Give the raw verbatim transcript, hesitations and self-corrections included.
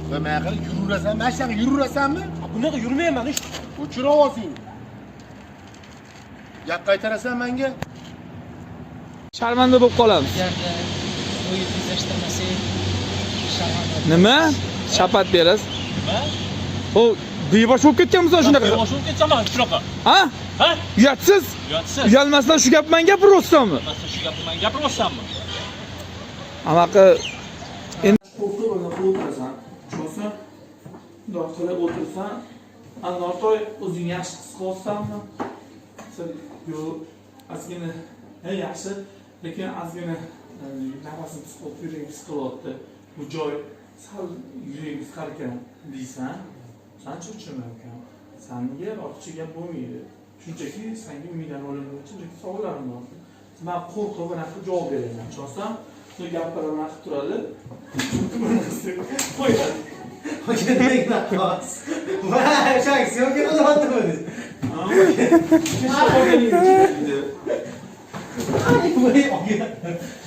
Ve meyakını yürüresen, ben sen yürüresen mi? Bunaqa yurmayman ish. Uçur ovozing. Gap qaytarasan menga? Sharmanda bo'lib qolamiz. Agarda o'yin tezlashtirmasak, sharmanda. Nima? Shapat berasiz. Nima? O bebash bo'lib ketganmisan shunaqa. Boshim ketsaman shunaqa. Ha? Ha? Uyatsiz. Uyatsiz. Uyalmasdan shu gapni menga gapiryapsanmi? Masa shu gapni men gapiryapsanmi? Anaqa endi qo'rqib o'tirasan. Cho'sa bundoq qilib o'tirsan, Anvartoy o'zing yaxshi his qilyapsanmi? Sen yo ozgina he yaxshi, lekin ozgina nafasini his qilib, yuraging his qilyapti. Bu joy sal yuraging qisqar ekan deysan. Qancha uchirman ekan? Senga ortiqcha gap bo'lmaydi. Shunchaki senga umiddan olingan shunchaki savollarim bor. Men qo'rqib anaqa javob beraman. Cho'sam Sen gapiraman qilib turadi. Qo'yadi. Qo'yadek nafas. Va, o'sha aksiyonga qilyaptimi? Ha, qo'yadi. Ay, voy,